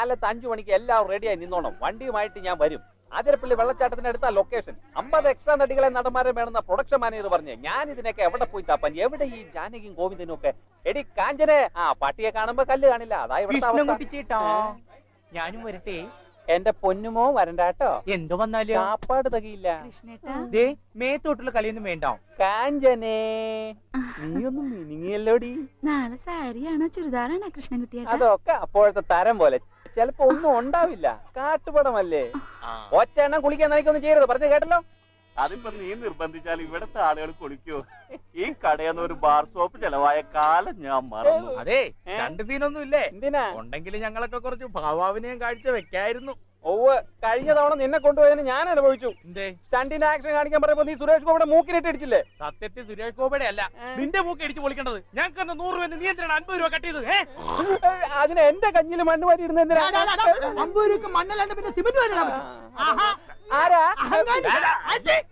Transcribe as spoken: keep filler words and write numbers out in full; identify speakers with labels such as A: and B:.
A: കാലത്ത് അഞ്ചു മണിക്ക് എല്ലാം റെഡിയായി നിന്നോണം. വണ്ടിയുമായിട്ട് ഞാൻ വരും. ആതിരപ്പള്ളി വെള്ളച്ചാട്ടത്തിന്റെ അടുത്ത ലൊക്കേഷൻ. അമ്പത് എക്സ്ട്രാ നടികളെ നടന്മാരെ വേണമെന്ന പ്രൊഡക്ഷൻ മാനേജർ പറഞ്ഞു. ഞാൻ ഇതിനൊക്കെ എവിടെ പോയി താപ്പാൻ? എവിടെ ഈ ജാനകിയും ഗോവിന്ദനും ഒക്കെ? എടി കാഞ്ചനെ, ആ പട്ടിയെ കാണുമ്പോ കല്ല് കാണില്ല. അതായത്
B: ഞാനും വരട്ടെ.
A: എന്റെ പൊന്നുമോ വരണ്ടാട്ടോ.
B: എന്തോ വന്നാലും
A: കാപ്പാട് തകയില്ല.
B: ദേ മേത്തോട്ടുള്ള കളിയൊന്നും വേണ്ട.
A: കാഞ്ചനെ, നീയൊന്നും മിനിങ്ങിയല്ലോടി.
C: നാളെ സാരിയാണോ ചുരിദാറാണോ കൃഷ്ണൻകുട്ടിയെ?
A: അതൊക്കെ അപ്പോഴത്തെ തരം പോലെ. ചിലപ്പോ ഒന്നും ഉണ്ടാവില്ല. കാട്ടുപടമല്ലേ. ഒറ്റ എണ്ണം കുളിക്കാൻ നനക്കൊന്നും ചെയ്യരുത്. പറഞ്ഞു കേട്ടല്ലോ.
D: അതിപ്പോ നീ നിർബന്ധിച്ചാൽ ഇവിടത്തെ ആളുകൾ കുളിക്കോ? ഈ കടയെന്ന് ഒരു ബാർ ഷോപ്പ് ചെലവായ കാലം ഞാൻ മറന്നു.
B: അതെ, രണ്ട് സീനൊന്നും ഇല്ലേ?
A: എന്തിനാ?
B: ഉണ്ടെങ്കിൽ ഞങ്ങളൊക്കെ കുറച്ച് ഭാവാവിനെയും കാഴ്ച വെക്കായിരുന്നു.
A: ഓവ്, കഴിഞ്ഞ തവണ നിന്നെ കൊണ്ടുപോയതിന് ഞാൻ അനുഭവിച്ചു.
B: എന്തേ?
A: സ്റ്റണ്ടിന്റെ ആക്ഷൻ കാണിക്കാൻ പറയുമ്പോ നീ സുരേഷ് ഗോപിയുടെ മൂക്കിനിട്ട് ഇടിച്ചില്ലേ?
B: സത്യത്തിൽ സുരേഷ് ഗോപിയുടെ അല്ല, നിന്റെ മൂക്ക് ഇടിച്ചു പൊളിക്കേണ്ടത്. ഞങ്ങൾക്ക് നൂറ് രൂപ നീ എന്തിനാണ് അൻപത് രൂപ കട്ട് ചെയ്ത്?
A: അതിന് എന്റെ കഞ്ഞില് മണ്ണ് വാരി ഇടുന്ന എന്തിനാ?
E: അമ്പത് രൂപ മണ്ണല്ലാണ്ട് പിന്നെ സിമന്റ് വരണം.
A: ആരാ?